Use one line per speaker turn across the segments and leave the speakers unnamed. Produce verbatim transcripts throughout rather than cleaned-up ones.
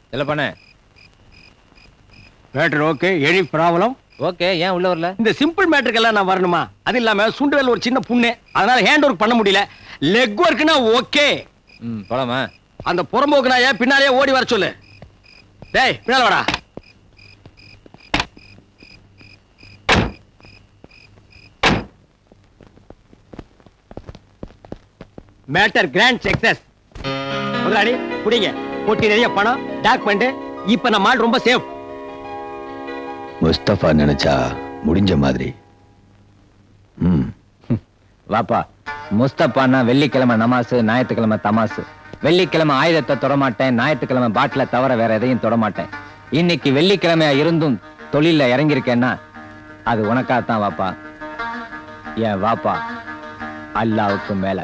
இல்ல பண்ண
matter okay. Any problem?
Okay. ஏன் உள்ள வரல?
இந்த சிம்பிள் மேட்டருக்கெல்லாம் நான் வரணுமா? அது இல்லாம சுண்டுவேல் ஒரு சின்ன புண்ணு, அதனால ஹேண்ட் ஒர்க் பண்ண முடியல. லெக் ஒர்க்னா ஓகே.
ம் போலாமா?
அந்த புறம்போக்கு நாய பின்னாலே ஓடி வர சொல்லு. டேய் பின்னால வாடா. Matter grand success. முதலாளி புடிங்க. பொட்டி நிறைய பணம், டாக்குமெண்ட். இப்ப நம்ம ஆள் ரொம்ப சேஃப்.
முஸ்தபா நினைச்சா முடிஞ்ச மாதிரி. ம்
வாப்பா. முஸ்தபான்னா வெள்ளிக்கிழமை நமாசு, ஞாயிற்றுக்கிழமை தமாசு. வெள்ளிக்கிழமை ஆயுதத்தை தொடமாட்டேன், ஞாயிற்றுக்கிழமை பாட்டில தவிர வேற எதையும் தொடமாட்டேன். இன்னைக்கு வெள்ளிக்கிழமையா இருந்தும் தொழில இறங்கியிருக்கேன்னா அது உனக்காகத்தான் வாப்பா. ஏன் வாப்பா அல்லாவுக்கு மேல.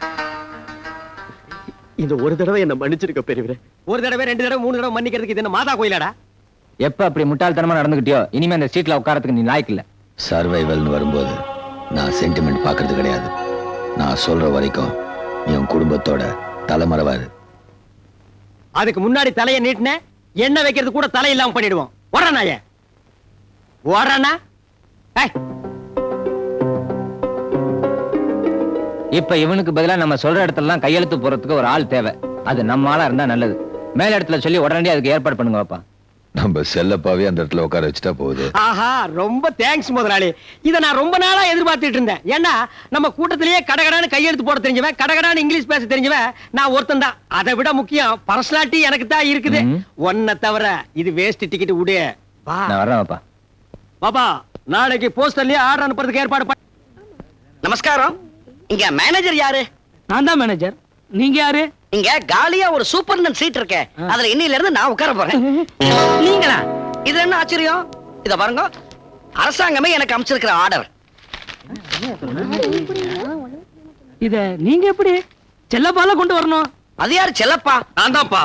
இந்த ஒரு தடவை என்ன மன்னிச்சிருக்க பெரியவரே. ஒரு தடவை ரெண்டு தடவை மூணு தடவை மன்னிக்கிறதுக்கு இது என்ன மாதா கோயிலாடா?
எப்ப அப்படி முட்டாள்தனமா நடந்துகிட்டியோ இனிமே அந்த சீட்ல உட்காரத்துக்கு நீ லாய்க்கு இல்ல.
சர்வைவல்னு வரும்போது நான் சென்டிமெண்ட் பாக்குறது கிடையாது. நான் சொல்ற வரைக்கும் என் குடும்பத்தோட தலைமறைவாரு.
அதுக்கு முன்னாடி தலையை நீட்டின என்ன வைக்கிறது கூட தலை இல்லாம பண்ணிடுவோம். ஓடனாய ஓடனா.
இப்ப இவனுக்கு பதிலா நம்ம சொல்ற இடத்துல கையெழுத்து போறதுக்கு ஒரு ஆள் தேவை. அது நம்ம ஆளா இருந்தா நல்லது. மேல இடத்துல சொல்லி உடனடியே அதுக்கு ஏற்பாடு பண்ணுங்க பாப்பா.
நம்ம செல்லப்பாவே அந்த இடத்துல உட்கார வச்சுட்டா போகுது.
ஆஹா, ரொம்ப தேங்க்ஸ் முதலாளி. இத நான் ரொம்ப நாளா எதிர்பார்த்துட்டு இருந்தேன். ஏன்னா நம்ம கூட்டத்திலேயே கடகடான்னு கையெழுத்து போட தெரிஞ்சவன், கடகடான்னு இங்கிலீஷ் பேச தெரிஞ்சவன் நான் ஒருத்தன் தான். அதை விட முக்கியம் பர்சனாலிட்டி எனக்கு தான் இருக்குது. ஒன்ன தவிர இது வேஸ்ட் டிக்கெட் விடு.
நான் வரேன் பாப்பா.
பாப்பா நாளைக்கு போஸ்டர்லயே ஆர்டர் அனுப்புறதுக்கு ஏற்பாடு பண்ணு.
நமஸ்காரம். இங்க மேனேஜர் யாரு?
நான் தான் மேனேஜர். நீங்க யாரு?
இங்க காலியா ஒரு சூப்பர்னன் சீட் இருக்கே, அதுல இன்னில இருந்து நான் உட்கார போறேன். நீங்களா? இது என்ன ஆச்சரியம்? இத பாருங்க, அரசாங்கமே எனக்கு அமைச்சிருக்கிற ஆர்டர்.
இத நீங்க எப்படி செல்லப்பால கொண்டு வரணும்?
அது யாரு செல்லப்பா?
நான் தான்ப்பா.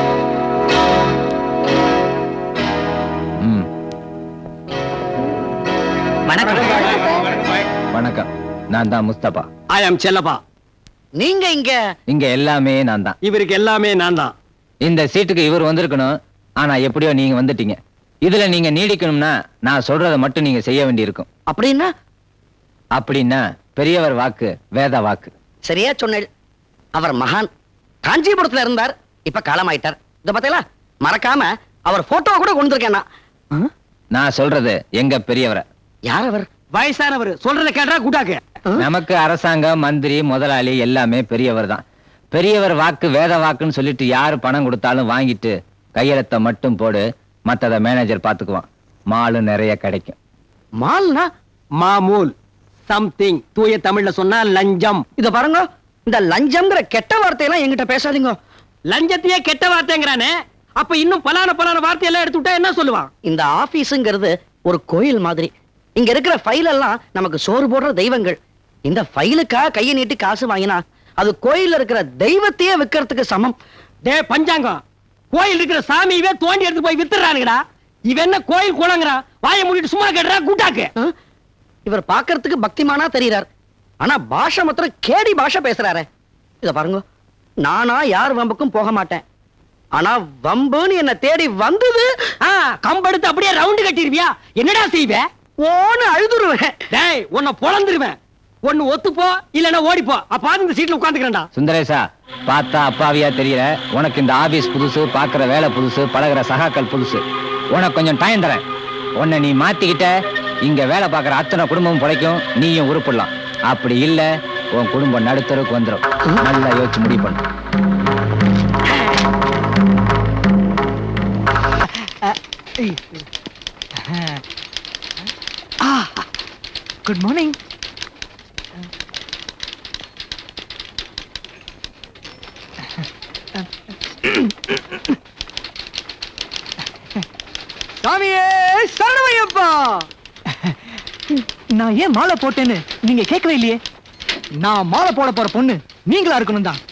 வணக்கம்.
வணக்கம். நான் தான் முஸ்தபா.
ஐ அம் செல்லப்பா.
நீங்க இங்க?
இங்க எல்லாமே நான் தான்.
இவருக்கு எல்லாமே நான் தான்.
இந்த சீட்டுக்கு இவர் வந்திருக்கணும். ஆனா எப்படியோ நீங்க வந்துட்டீங்க. இதுல நீங்க நீடிக்கணும்னா நான் சொல்றதை மட்டும் நீங்க செய்ய வேண்டி இருக்கும்.
அப்படின்னா?
அப்படின்னா பெரியவர் வாக்கு வேத வாக்கு.
சரியா சொன்ன. அவர் மகான். காஞ்சிபுரத்துல இருந்தார், இப்ப காலமாயிட்டார். இத பாத்தீங்களா? மறக்காம அவர் போட்டோ கூட கொண்டு இருக்கேன்.
நான் சொல்றது எங்க பெரியவரை.
யார் அவர்?
வயசானவர். சொல்றத கேட்டா கூட்டாக்கு.
நமக்கு அரசாங்கம், மந்திரி, முதலாளி எல்லாமே பெரியவர் தான். பெரியவர் வாக்கு வேத வாக்குன்னு சொல்லிட்டு யாரு பணம் கொடுத்தாலும் வாங்கிட்டு கையெழுத்த மட்டும் போடு, மத்தத மேனேஜர் பாத்துக்குவான். மாலு நிறைய கிடைக்கும்.
மால்னா?
மாமூல். சம்திங். தூய தமிழ்ல சொன்னா லஞ்சம்.
இத பாருங்க, இந்த லஞ்சம்ங்கிற கெட்ட வார்த்தையெல்லாம் என்கிட்ட பேசாதீங்க.
லஞ்சத்தையே கெட்ட வார்த்தைங்கிறானே, அப்ப இன்னும் பலான பலான வார்த்தையெல்லாம் எடுத்து விட்டா என்ன சொல்லுவான்?
இந்த ஆபீஸ்ங்கிறது ஒரு கோயில் மாதிரி. இங்க இருக்கிற ஃபைல் எல்லாம் நமக்கு சோறு போடுற தெய்வங்கள். இந்த ஃபைலுக்கா கையை நீட்டி காசு வாங்கினா அது கோயில்ல இருக்கிற தெய்வத்தையே விக்கிறதுக்கு சமம்.
டே பஞ்சாங்கம், கோயில் இருக்கிற சாமியவே தோண்டி எடுத்து போய் வித்துறானுங்கடா. இவன் என்ன கோயில் குளங்கிறான்? வாயை மூடிட்டு சும்மா கேட்டுறா கூட்டாக்கு.
இவர் பாக்குறதுக்கு பக்திமானா தெரியறார், ஆனா பாஷை மாத்திரம் கேடி பாஷை பேசுறாரு. இத பாருங்க, நானா யார் வம்புக்கும் போக மாட்டேன். ஆனா வம்புன்னு என்ன தேடி வந்தது,
கம்பெடுத்து அப்படியே ரவுண்டு கட்டிருவியா? என்னடா செய்வே?
ஓன்னு அழுதுருவேன்.
டேய் உன்னை பொளந்துருவேன். ஒன்னு ஒத்துப்போ இல்லன்னா ஓடிப்போ. அப்ப இந்த சீட்ல உட்கார்ந்துக்கிறேன்டா.
சுந்தரேசா, பார்த்தா அப்பாவியா தெரியற. உனக்கு இந்த ஆபீஸ் புதுசு, பாக்குற வேலை புதுசு, பழகுற சகாக்கள் புதுசு. உனக்கு கொஞ்சம் டைம் தரேன். உன்னை நீ மாத்திக்கிட்ட இங்க வேலை பார்க்குற அத்தனை குடும்பமும் பிழைக்கும், நீயும் உருப்பிடலாம். அப்படி இல்ல உன் குடும்பம் நடுத்தருக்கு வந்துடும். நல்லா யோசிச்சு முடிவு பண்ணு.
Good morning. சாமியே சரணமையப்பா. நான் ஏன் மாலை போட்டேன்னு நீங்க கேட்கவே இல்லையே. நான் மாலை போட போற பொண்ணு நீங்களா இருக்கணும் தான்.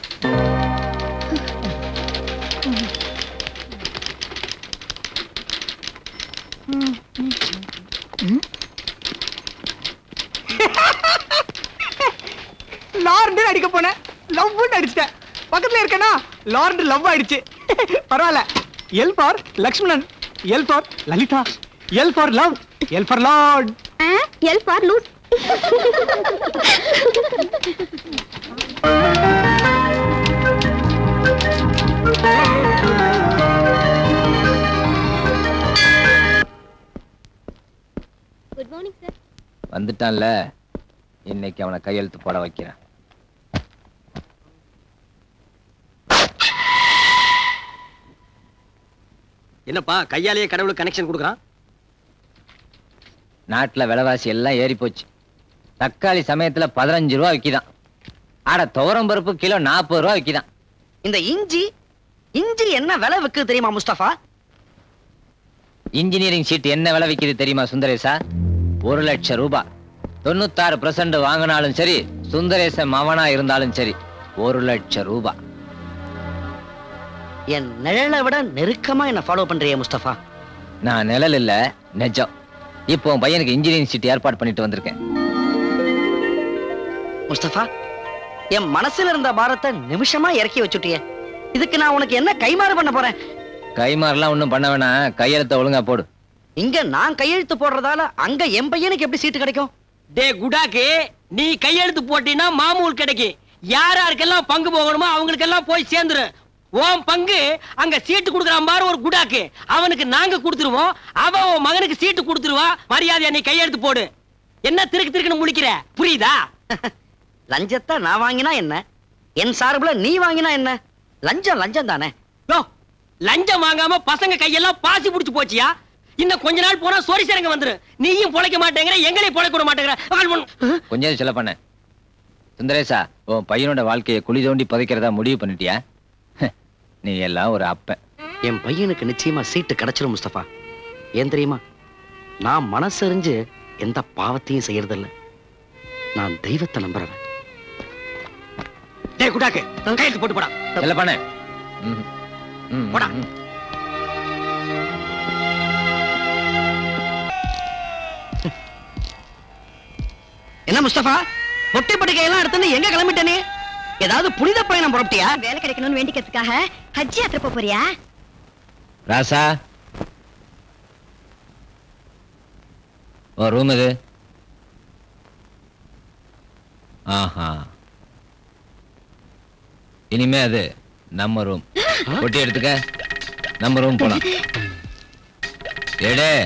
லார்ண்டு அடிக்க போனேன், லவ் அடிச்சிட்டேன். பக்கத்துல இருக்கேனா லார்ண்டு லவ் ஆயிடுச்சு. பரவாயில்ல,
L for Lakshmanan, L for Lalita, L for love, L for Lord.
L for loose. Good morning sir.
வந்துட்டான்ல, இன்னைக்கு அவனை கையெழுத்து போட வைக்கிறேன்.
என்னப்பா கையாலேயே கடவுளுக்கு கனெக்ஷன் கொடுக்குறான்?
நாட்டுல விலைவாசி எல்லாம் ஏறி போச்சு. தக்காளி சமயத்துல பதினஞ்சு ரூபா விக்கிதான். ஆட துவரம் பருப்பு கிலோ நாற்பது ரூபா விக்கிதான்.
இந்த இஞ்சி இஞ்சி என்ன விலை விக்குது தெரியுமா முஸ்தபா?
இன்ஜினியரிங் சீட் என்ன விலை விக்குது தெரியுமா சுந்தரேசா? ஒரு லட்சம் ரூபாய். தொண்ணூத்தாறு பெர்சென்ட் வாங்கினாலும் சரி, சுந்தரேசன் மவனா இருந்தாலும் சரி, ஒரு லட்சம் ரூபாய்.
என் நிழலை விட நெருக்கமா என்ன ஃபாலோ பண்றியே முஸ்தபா.
நான் நிழல் இல்ல, நெஜம். இப்போ உன் பையனுக்கு இன்ஜினியரிங் சீட் ஏற்பாடு பண்ணிட்டு வந்திருக்கேன்.
முஸ்தபா, என் மனசுல இருந்த பாரத்தை நிமிஷமா இறக்கி வச்சுட்டியே. இதுக்கு நான் உனக்கு என்ன கைமாறு பண்ண போறேன்?
கைமாறலாம் ஒண்ணும் பண்ண வேணாம், கையெழுத்த ஒழுங்கா போடு.
இங்க நான் கையெழுத்து போடுறதால அங்க என் பையனுக்கு எப்படி சீட்டு கிடைக்கும்?
டே குடாக்கு, நீ கையெழுத்து போட்டீன்னா மாமூல் கிடைக்கும். யார் யாருக்கெல்லாம் பங்கு போகணுமோ அவங்களுக்கெல்லாம் போய் சேர்ந்துரு. உன் பங்கு அங்க சீட்டு கொடுக்குறான் பாரு ஒரு குடாக்கு, அவனுக்கு நாங்க கொடுத்துருவோம். அவன் உன் மகனுக்கு சீட்டு கொடுத்துருவா. மரியாதையா நீ கையெழுத்து போடு. என்ன திருக்கு திருக்குன்னு முழிக்கிற, புரியுதா?
லஞ்சத்தை நான் வாங்கினா என்ன, என் சார்புல நீ வாங்கினா என்ன? லஞ்சம் லஞ்சம் தானே.
யோ, லஞ்சம் வாங்காம பசங்க கையெல்லாம் பாசி புடிச்சு போச்சியா? இன்னும் கொஞ்ச நாள் போனா சோரி சரங்க வந்துரு. நீயும் பொழைக்க மாட்டேங்கிற, எங்களையும் பொழைக்க விட மாட்டேங்கிற.
கொஞ்சம் சொல்ல பண்ண சுந்தரேசா, உன் பையனோட வாழ்க்கையை குழி தோண்டி புதைக்கிறதா முடிவு பண்ணிட்டியா? நீ எல்லாம் ஒரு அப்பன்.
என் பையனுக்கு நிச்சயமா சீட்டு கிடைச்சிடும் முஸ்தபா. ஏன் தெரியுமா? நான் மனசறிஞ்சு எந்த பாவத்தையும் செய்யறதில்ல. நான் தெய்வத்தை நம்புறவன்.
டேய் குடாக்கு, கையெழுத்து போட்டு போடா.
சொல்ல பண்ண
போடா.
என்ன முஸ்தபா, பொட்டி படுக்கையெல்லாம் எடுத்துன்னு எங்க கிளம்பிட்டனே? ஏதாவது புனித பயணம் புறப்பட்டியா?
வேலை கிடைக்கணும்னு வேண்டிக்கிறதுக்காக ஹஜ் யாத்திரை போப் போறியா?
ராசா, ஓ ரூம் இது. ஆஹா, இனிமே அது நம்ம ரூம். பொட்டி எடுத்துக்க, நம்ம ரூம் போலாம். எடே,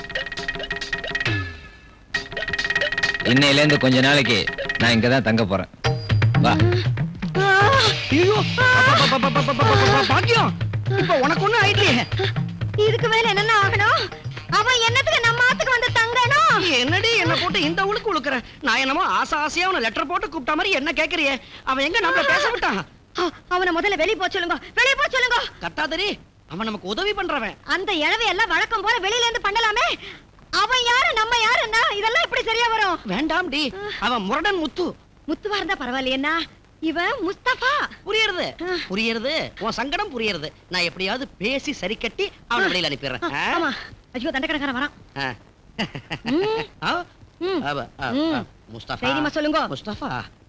இன்னையில இருந்து கொஞ்ச நாளைக்கு நான் இங்கதான் தங்க போறேன். வா.
ஐயோ, பாக்கியம், இப்ப உனக்கு ஒண்ணு ஆயிட்டே.
இதுக்கு மேல என்னென்ன ஆகணும்? அவன் என்னத்துக்கு நம்ம ஆத்துக்கு வந்து தங்கணும்?
என்னடி என்ன போட்டு இந்த உழுக்கு உழுக்குற? நான் என்னமோ ஆசை ஆசையா அவனை லெட்டர் போட்டு கூப்பிட்ட மாதிரி என்ன கேக்குறியே? அவன் எங்க நம்மள பேச விட்டான்?
அவனை முதல்ல வெளிய போ சொல்லுங்க, வெளிய போ சொல்லுங்க.
கட்டாதரி, அவன் நமக்கு உதவி பண்றவன்.
அந்த இழவை எல்லாம் வழக்கம் போல வெளியில இருந்து பண்ணலாமே. அவன் யாரு நம்ம யாருன்னா இதெல்லாம் எப்படி சரியா வரும்?
வேண்டாம் டி, அவன் முரடன் முத்து.
முத்துவா இருந்தா பரவாயில்லையா? இவன் முஸ்தபா.
புரியுறது புரியுறது, உன் சங்கடம் புரியுறது. நான் எப்படியாவது பேசி சரி கட்டி அவனை வெளியில அனுப்பிடுறேன்.
ஆமா. ஐயோ, தண்டக்கணக்காரன் வரான்.
முஸ்தபா,
தைரியமா சொல்லுங்க.
முஸ்தபா,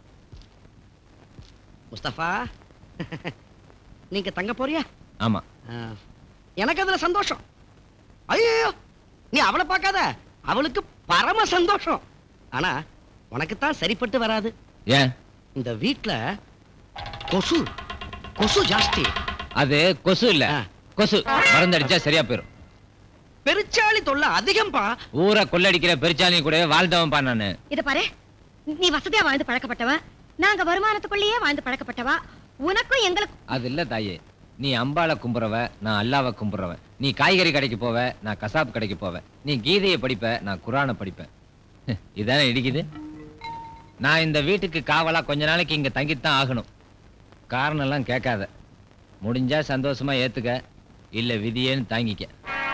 முஸ்தபா, நீங்க தங்க போறியா?
ஆமா.
எனக்கு அதுல சந்தோஷம். ஐயோ, நீ அவளை பார்க்காத, அவளுக்கு பரம சந்தோஷம். ஆனா உனக்கு தான் சரிப்பட்டு வராது.
ஏன்?
இந்த வீட்ல கொசு கொசு ஜாஸ்தி.
அது கொசு இல்ல, கொசு மருந்தடிச்சா சரியா போயிரும்.
பெருச்சாளி தொல்லை அதிகம்பா.
ஊரை கொள்ளடிக்கிற பெருச்சாலி கூட வாழ்ந்தவன்பா நானு.
இத பாரு, நீ வசதியா வாழ்ந்து பழக்கப்பட்டவ, நாங்க வருமானத்துக்குள்ளேயே வாழ்ந்து பழக்கப்பட்டவா. உனக்கும் எங்களுக்கு
அது இல்ல தாயே. நீ அம்பாளை கும்புறவ, நான் அல்லாவை கும்புறவன். நீ காய்கறி கடைக்கு போவ, நான் கசாப் கடைக்கு போவேன். நீ கீதையை படிப்ப, நான் குரானை படிப்பேன். இதானே இடிக்குது. நான் இந்த வீட்டுக்கு காவலா கொஞ்ச நாளைக்கு இங்க தங்கித்தான் ஆகணும். காரணம் எல்லாம் கேட்காத. முடிஞ்சா சந்தோஷமா ஏத்துக்க, இல்ல விதியேன்னு தாங்கிக்க.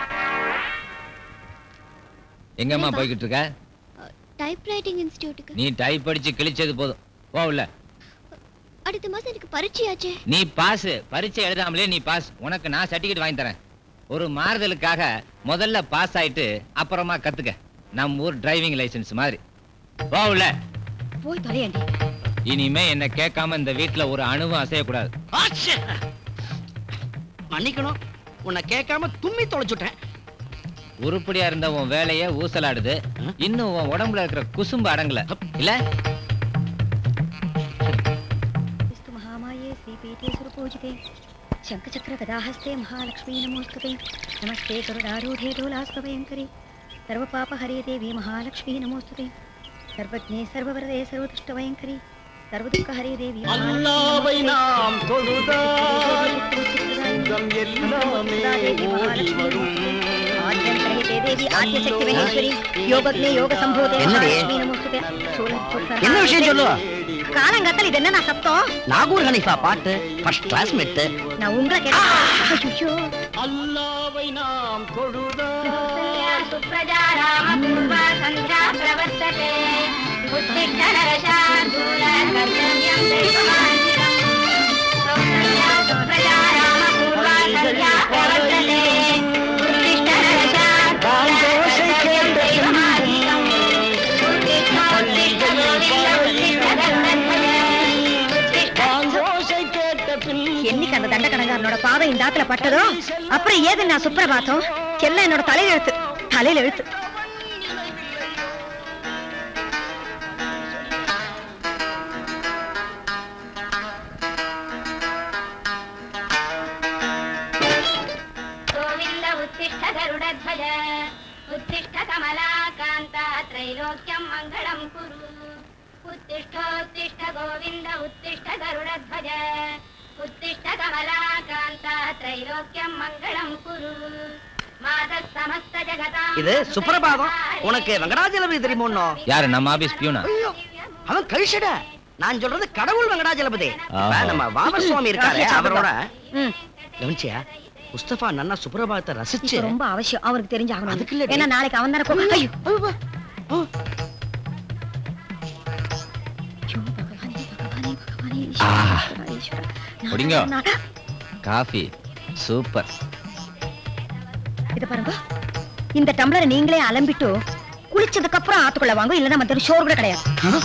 எங்கம்மா போய்கிட்டு இருக்க?
டைப்ரைட்டிங் இன்ஸ்டிடியூட்டுக்கு.
நீ டைப் படிச்சு கிழிச்சது போதும், போ உள்ள.
அடுத்த மாசம் எனக்கு பரீட்சையாச்சே.
நீ பாஸ். பரீட்சை எழுதாமலே நீ பாஸ். உனக்கு நான் சர்டிபிகேட் வாங்கி தரேன். ஒரு மாறுதலுக்காக முதல்ல பாஸ் ஆயிட்டு அப்புறமா கத்துக்க. நம்ம ஊர் டிரைவிங் லைசென்ஸ் மாதிரி. போ உள்ள.
போய் தொலையண்டி.
இனிமே என்ன கேட்காம இந்த வீட்டுல ஒரு அணுவும் அசையக்கூடாது.
மன்னிக்கணும், உன்னை கேட்காம தும்மி தொலைச்சுட்டேன்.
உருப்படியா இருந்த உன் வேலைய ஊசலாடுது. இன்னும் உன் உடம்புல இருக்கிற குசும்பு அடங்கல இல்ல?
स्तु महामाये श्रीपीठे सुरपूजिते शङ्खचक्र गदाहस्ते महालक्ष्मी नमोस्तुते नमस्ते गरुडारूढे डोलास्तभयङ्करे सर्वपापहरे देवी महालक्ष्मी नमोस्तुते सर्वज्ञे सर्ववरदे सर्वदुष्टभयङ्करे सर्वदुःखहरे देवी
அல்லாவை நாம் தொழுதால் சுகம் எல்லாமே ஓடி வரும்.
आद्यन्तरहिते देवी आद्यशक्ति महेश्वरी योगज्ञे योग संभूते
என்னடி?
महालक्ष्मी नमोस्तुते
என்ன விஷயம் சொல்லு?
காலங்கத்தல் இது என்ன சத்தம்?
நாகூர் ஹனீஃபா பாட்டு ஃபர்ஸ்ட் கிளாஸ் மெட்டு.
நான் உங்களை கேட்டேன். ஐயோ
அல்லாவை நாம் தொழுதால்
सुप्रजा रामपूर्वा सन्ध्या प्रवर्तते उत्तिष्ठ नरशार्दूल कर्तव्यं दैवमान्वितम् कौसल्या सुप्रजा रामपूर्वा सन्ध्या प्रवर्तते उत्तिष्ठ नरशार्दूल कर्तव्यं दैवमान्वितम् उत्तिष्ठ उत्तिष्ठ गोविन्द उत्तिष्ठ गरुडध्वज
ஓசை கேட்ட பின்
என்னைக்கு அந்த தண்டக்கணங்காரனோட பாவை இந்த ஆத்துல பட்டதோ அப்புறம் ஏது நான் சுப்பிரபாத்தம் எல்லாம் என்னோட தலையில எழுத்து தலையில எழுத்து.
गोविन्द उत्तिष्ठ गरुडध्वज उत्तिष्ठ कमलाकान्ता त्रैलोक्यं मङ्गलं कुरु उत्तिष्ठोत्तिष्ठ गोविन्द उत्तिष्ठ गरुडध्वज उत्तिष्ठ कमलाकान्ता त्रैलोक्यं मङ्गलं कुरु मातः समस्त जगतां
இது சுப்பிரபாதம். உனக்கு வெங்கடாஜலபதி தெரியுமோன்னோ?
யாரு நம்ம ஆபீஸ் பியூனா?
ஐயோ, அவன் கழிச்சட. நான் சொல்றது கடவுள் வெங்கடாஜலபதி.
ஆஹா.
நம்ம வாமர் சுவாமி இருக்காரு அவரோட.
ம்,
கவனிச்சியா? முஸ்தபா நன்னா சுப்பிரபாதத்தை ரசிச்சு
இப்ப ரொம்ப அவசியம் அவருக்கு தெரிஞ்சு
அதுக்கு இல்லடி.
ஆகணும். ஏன்னா நாளைக்கு அவன் தானே கூப்பிடு- ஐயோ.
ஓ,
ஐயோ, பகவானே, பகவானே, பகவானே,
ஆ.
ஈஸ்வரா, ஈஸ்வரா. நான்
குடிங்க.
நான்
காஃபி சூப்பர்.
இத பாருங்க, இந்த டம்ளரை நீங்களே அலம்பிட்டு குளிச்சதுக்கு அப்புறம் ஆத்துக்குள்ள வாங்க, இல்லன்னா மத்த சோறு கூட கிடையாது.